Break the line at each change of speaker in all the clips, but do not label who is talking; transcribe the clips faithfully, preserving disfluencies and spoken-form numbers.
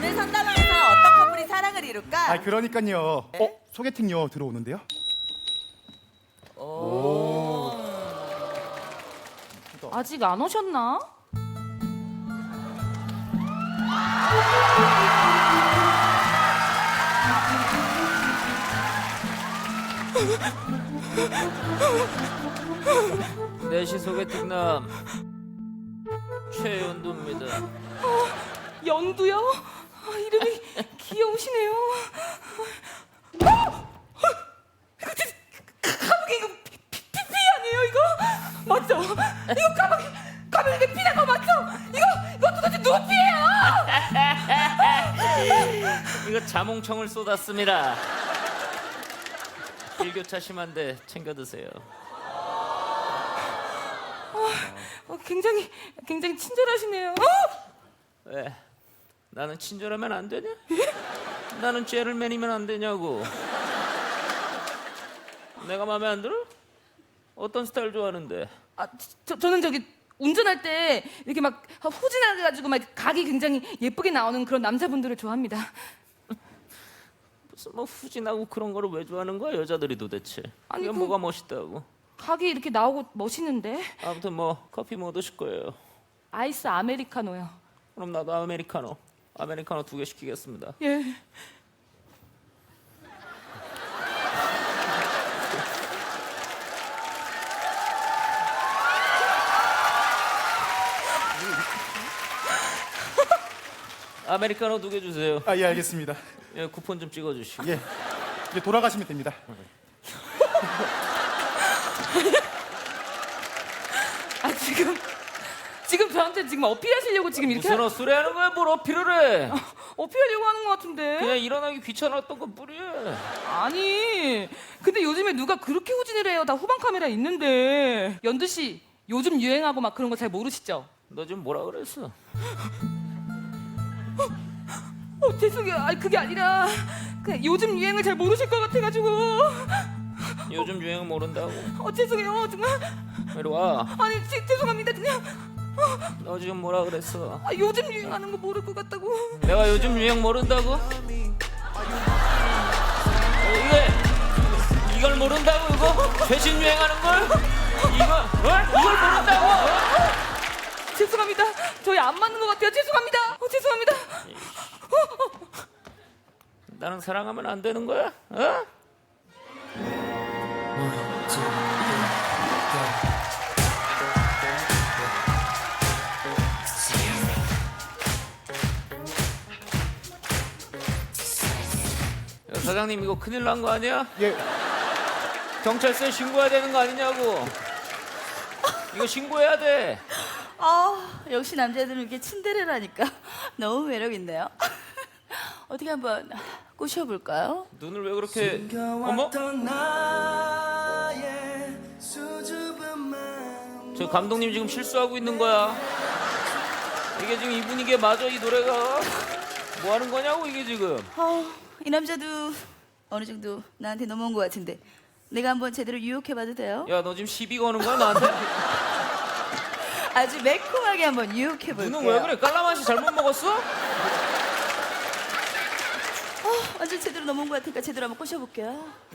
오늘 상담원에서 어떤 커플이 사랑을 이룰까?
아 그러니까요.
네?
어 소개팅요 들어오는데요?
오.
아직 안 오셨나?
내시 소개팅남 최연두입니다.
연두요? 아, 이름이 귀여우시네요. 아! 가방이 이거 피, 피, 피 아니에요 이거? 맞죠? 이거 가방이 가방이 이게 피난 거 맞죠? 이거 이거 도대체 누구 피예요?
이거 자몽청을 쏟았습니다. 일교차 심한데 챙겨 드세요.
어, 굉장히 굉장히 친절하시네요. 어?
왜? 나는 친절하면 안 되냐? 나는 죄를 매니면 안 되냐고. 내가 마음에 안 들어? 어떤 스타일 좋아하는데?
아, 저, 저는 저기 운전할 때 이렇게 막 후진해가지고 막 각이 굉장히 예쁘게 나오는 그런 남자분들을 좋아합니다.
무슨 뭐 후진하고 그런 거를 왜 좋아하는 거야 여자들이 도대체?
아니,
이게
그-
뭐가 멋있다고?
각이 이렇게 나오고 멋있는데.
아무튼 뭐 커피 뭐 드실 거예요?
아이스 아메리카노요.
그럼 나도 아메리카노. 아메리카노 두 개 시키겠습니다.
예.
아메리카노 두 개 주세요.
아 예 알겠습니다.
예, 쿠폰 좀 찍어주시고.
예 이제 돌아가시면 됩니다.
아 지금 지금 저한테 지금 어필하시려고 지금 이렇게
무슨 헛소리 하는 거야? 뭘 어필을 해?
어필하려고 하는 것 같은데.
그냥 일어나기 귀찮았던 것 뿐이야.
아니 근데 요즘에 누가 그렇게 후진을 해요? 다 후방 카메라 있는데. 연두 씨 요즘 유행하고 막 그런 거 잘 모르시죠?
너 지금 뭐라 그랬어?
어 죄송해요. 아니 그게 아니라 그냥 요즘 유행을 잘 모르실 것 같아가지고.
요즘 유행 모른다고?
어 죄송해요 정말.
이리 와.
아니 지, 죄송합니다 그냥.
너 지금 뭐라 그랬어?
아, 요즘 유행하는 거 모를 것 같다고.
내가 요즘 유행 모른다고? 어, 이게 이걸 모른다고 이거? 최신 유행하는 걸? 이거 어? 이걸 모른다고?
죄송합니다. 저희 안 맞는 것 같아요. 죄송합니다. 어, 죄송합니다.
나랑 사랑하면 안 되는 거야? 어? 야, 사장님 이거 큰일 난 거 아니야?
예
경찰서에 신고해야 되는 거 아니냐고. 이거 신고해야 돼.
아, 역시 남자들은 이렇게 친데레라니까 너무 매력 있네요. 어떻게 한번 꼬셔볼까요?
눈을 왜 그렇게 어머? 저 감독님 지금 실수하고 있는 거야. 이게 지금 이 분위기에 맞아 이 노래가. 뭐 하는 거냐고 이게 지금.
어, 이 남자도 어느 정도 나한테 넘어온 것 같은데 내가 한번 제대로 유혹해봐도 돼요?
야 너 지금 시비 거는 거야 나한테?
아주 매콤하게 한번 유혹해볼게요.
눈은 왜 그래? 깔라맛이 잘못 먹었어?
어, 완전 제대로 넘어온 것 같으니까 제대로 한번 꼬셔볼게요.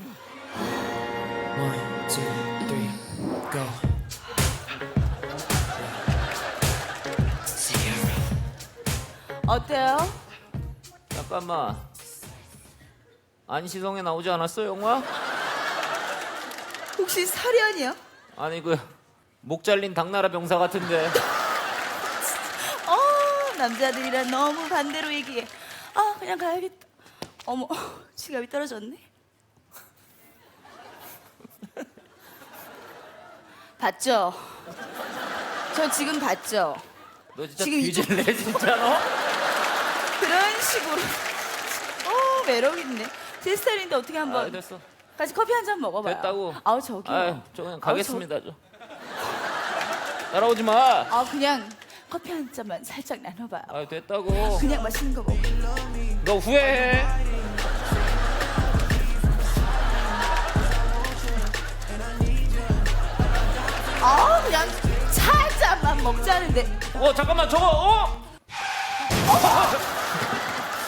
One, two, three, go.
어때요?
잠깐만. 안시성에 나오지 않았어 영화?
혹시 사련이요?
아니 그 목 잘린 당나라 병사 같은데.
어, 남자들이랑 너무 반대로 얘기해. 아, 그냥 가야겠다. 어머, 지갑이 떨어졌네. 봤죠? 저 지금 봤죠?
너 진짜
지금 이쪽-
뒤질래 진짜 너?
그런 식으로. 어, 매력 있네. 제 스타일인데 어떻게
아
한번
됐어.
같이 커피 한 잔 먹어봐요.
됐다고.
아우 저기요.
아유 저 그냥
아우,
가겠습니다 저. 따라오지 마.
아 그냥 커피 한 잔만 살짝 나눠봐요.
아 됐다고.
그냥 맛있는 거 먹어.
너 후회해.
아 그냥 차 한 잔만 먹자는데.
어 잠깐만 저거 어?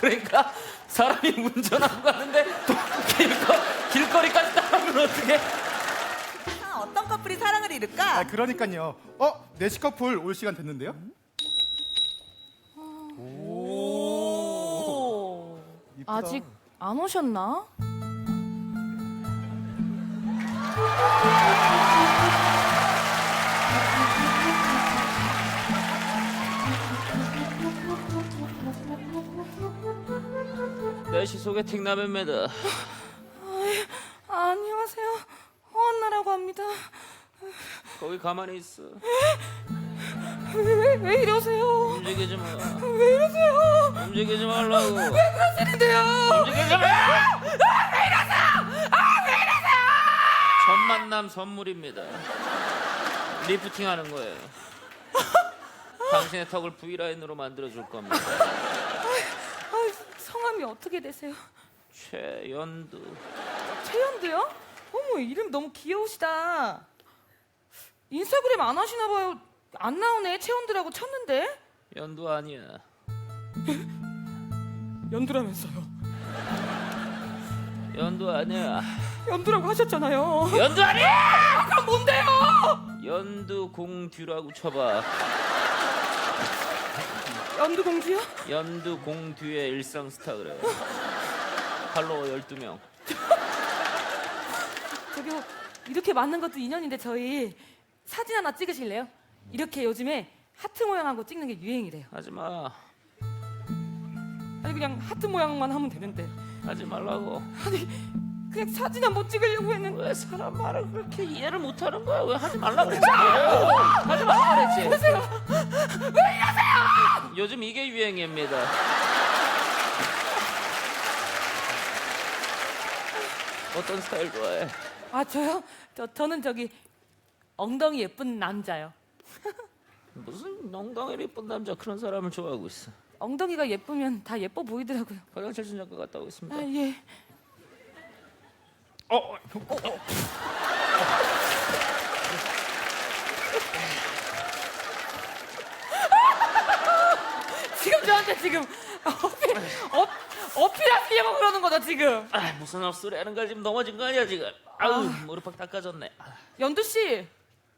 그러니까 사람이 운전하고 가는데 길거, 길거리까지 따라오면 어떡해?
아, 어떤 커플이 사랑을 이룰까?
아, 그러니까요. 어, 내시 커플 올 시간 됐는데요?
오.
이쁘다.
아직 안 오셨나?
내시 소개팅 남입니다.
아, 안녕하세요. 허한나라고 합니다.
거기 가만히 있어.
왜, 왜, 왜 이러세요?
움직이지 마.
왜 이러세요?
움직이지 말라고.
그러시는데요?
움직이지 마. 첫 만남 선물입니다. 리프팅 하는 거예요. 당신의 턱을 V라인으로 만들어줄 겁니다.
아, 성함이 어떻게 되세요?
최연두.
최연두요? 어머, 이름 너무 귀여우시다. 인스타그램 안 하시나 봐요. 안 나오네. 최연두라고 쳤는데.
연두 아니야.
연두라면서요.
연두 아니야.
연두라고 하셨잖아요.
연두 아니야!
그럼 뭔데요?
연두 공듀라고 쳐봐.
연두 공주요?
연두 공듀의 일상 스타 그래. 팔로워 열두 명.
저기요, 이렇게 맞는 것도 인연인데 저희 사진 하나 찍으실래요? 이렇게 요즘에 하트 모양하고 찍는 게 유행이래요.
하지 마.
아니 그냥 하트 모양만 하면 되는데.
하지 말라고.
아니 그냥 사진 한번 찍으려고 했는데.
왜 사람 말을 그렇게 이해를 못하는 거야? 왜 하지 말라고 그랬지? 하지 말라고 그랬지?
보세요. 왜 이러세요?
요즘 이게 유행입니다. 어떤 스타일 좋아해?
아 저요? 저 저는 저기 엉덩이 예쁜 남자요.
무슨 엉덩이 예쁜 남자 그런 사람을 좋아하고 있어.
엉덩이가 예쁘면 다 예뻐 보이더라고요.
화장실 좀 잠깐 갔다 오겠습니다.
아 예.
어, 어, 어, 어.
지금 저한테 지금 어필, 어, 어필하시려고 그러는 거죠 지금.
아, 무슨 헛소리 하는 거야? 지금 넘어진 거 아니야 지금? 아우 무릎팍 닦아졌네. 아,
연두 씨.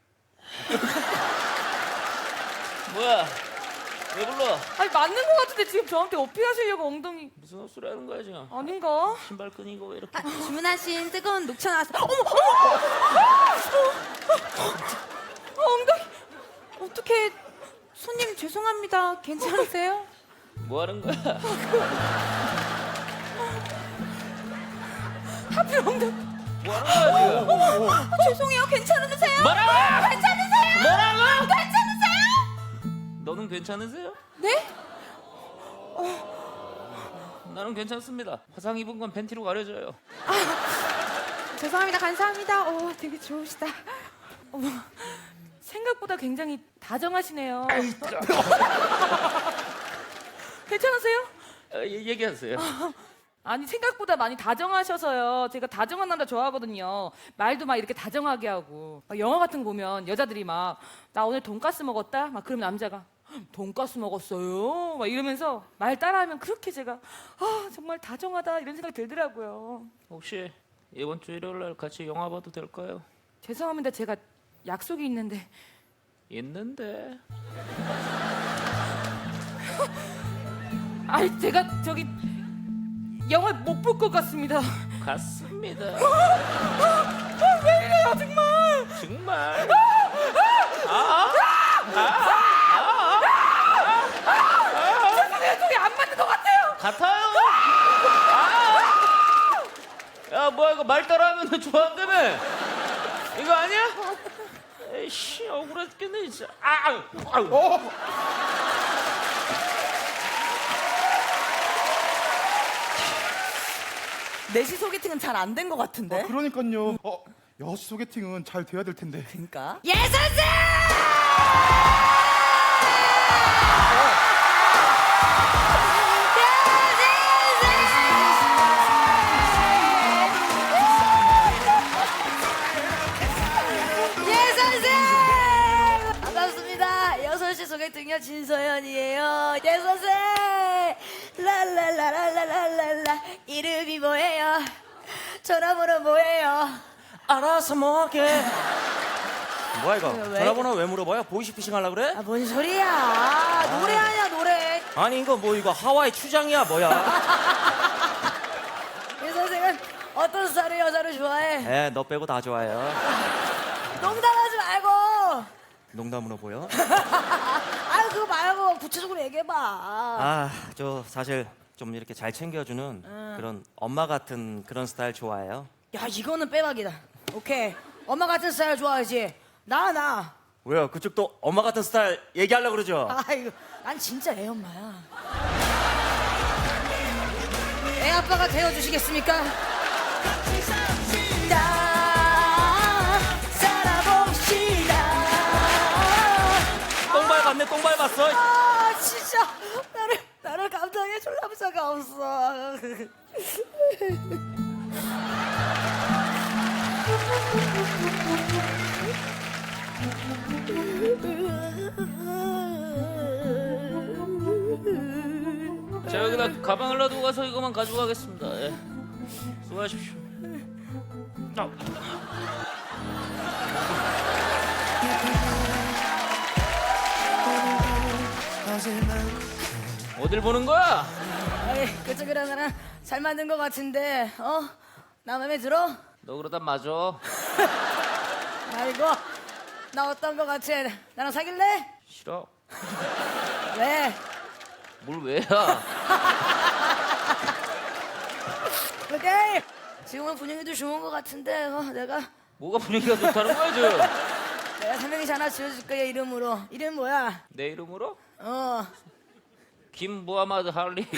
뭐야? 왜 불러?
아니 맞는 거 같은데 지금 저한테 어필하시려고 엉덩이
무슨 헛소리 하는 거야 지금?
아닌가?
신발 끈이고 왜 이렇게?
아, 주문하신 뜨거운 녹차 나왔어. 어머,
어, 엉덩이.
어떻게 손님 죄송합니다. 괜찮으세요?
뭐 하는 거야?
하필 엉덩이.
뭐 하는 거야 지금?
아, 죄송해요. 괜찮으세요?
뭐라고?
괜찮으세요?
뭐라고?
괜찮으세요?
너는 괜찮으세요?
네?
나는 괜찮습니다. 화상 입은 건 팬티로 가려져요.
죄송합니다. 감사합니다. 오, 되게 좋으시다.
어머, 생각보다 굉장히 다정하시네요. 괜찮으세요?
아, 얘- 얘기하세요.
아니 생각보다 많이 다정하셔서요. 제가 다정한 남자 좋아하거든요. 말도 막 이렇게 다정하게 하고. 막 영화 같은 거 보면 여자들이 막 나 오늘 돈가스 먹었다. 막 그러면 남자가 돈가스 먹었어요. 막 이러면서 말 따라하면 그렇게 제가 아 정말 다정하다 이런 생각이 들더라고요.
혹시 이번 주 일요일 날 같이 영화 봐도 될까요?
죄송합니다. 제가 약속이 있는데.
있는데.
아니 제가 저기 영화 못 볼 것 같습니다.
갔습니다.
왜 이래요 정말.
정말.
죄송해요. 저기 안 맞는 것 같아요.
같아요. 아! 야 뭐야 이거 말 따라하면 좋아한다며? 이거 아니야? 에이씨 억울해 죽겠네 진짜. 아, 아우, 아우.
어.
내시 소개팅은 잘 안 된 것 같은데.
아, 그러니까요. 어, 여시 소개팅은 잘 돼야 될 텐데.
그러니까.
예 선생! 예 선생! 반갑습니다. 여섯 시 소개팅녀 진서연이에요. 예 선생! 랄랄라라
이름이 뭐예요? 전화번호 뭐예요?
알아서 먹게. 뭐야 이거?
왜?
전화번호 왜 물어봐요? 보이스피싱 하려 그래?
아, 뭔 소리야? 노래 아니야, 노래.
아니 이거 뭐 이거 하와이 추장이야 뭐야?
이 선생은 어떤 스타일의 여자를 좋아해?
에, 너 빼고 다 좋아해요.
농담하지 말고.
농담으로 보여?
아유, 그거 말고 구체적으로 얘기해봐.
아, 저 사실 좀 이렇게 잘 챙겨주는 그런 엄마 같은 그런 스타일 좋아해요.
야, 이거는 빼박이다. 오케이. 엄마 같은 스타일 좋아하지? 나, 나.
왜요? 그쪽도 엄마 같은 스타일 얘기하려고 그러죠?
아이고, 난 진짜 애 엄마야. 애 아빠가 되어주시겠습니까? 나 살아봅시다.
똥 밟았네, 똥 밟았어.
아, 진짜 나를 나를 감당해줄 남자가 없어.
자, 여기다 가방을 놔두고 가서 이거만 가지고 가겠습니다. 예. 수고하십시오. 아. 어딜 보는 거야?
아이, 그쪽이랑 나랑 잘 맞는 것 같은데, 어? 나 맘에 들어?
너 그러다 맞아.
아이고, 나 어떤 것 같아? 나랑 사귈래?
싫어.
왜?
뭘 왜야?
오케이. 지금은 분위기도 좋은 것 같은데, 어, 내가
뭐가 분위기가 좋다는 거야 지금?
내가 삼행시 하나 지어줄 거야, 이름으로. 이름 뭐야?
내 이름으로?
어,
김무하마드 할리.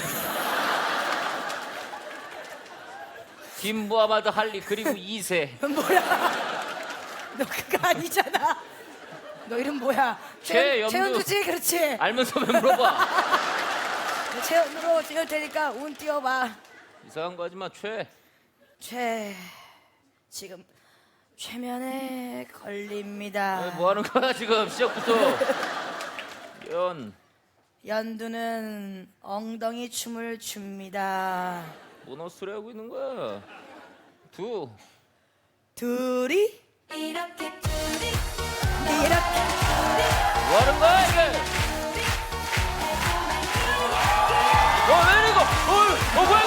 김무하마드 할리 그리고 이 세.
뭐야? 너 그거 아니잖아. 너 이름 뭐야?
최연두.
최연두지, 그렇지.
알면서 왜 물어봐?
최연두로 찍을 테니까 운 띄워봐.
이상한 거 하지 마, 최.
최 지금 최면에 걸립니다.
뭐 하는 거야 지금 시작부터. 연.
연두는 엉덩이 춤을 춥니다.
뭔 헛소리 하고 있는 거야? 두.
둘이
이렇게 둘이
이렇게
뭐 하는 거야 이게? 어, 왜 이거? 어, 어, 뭐야?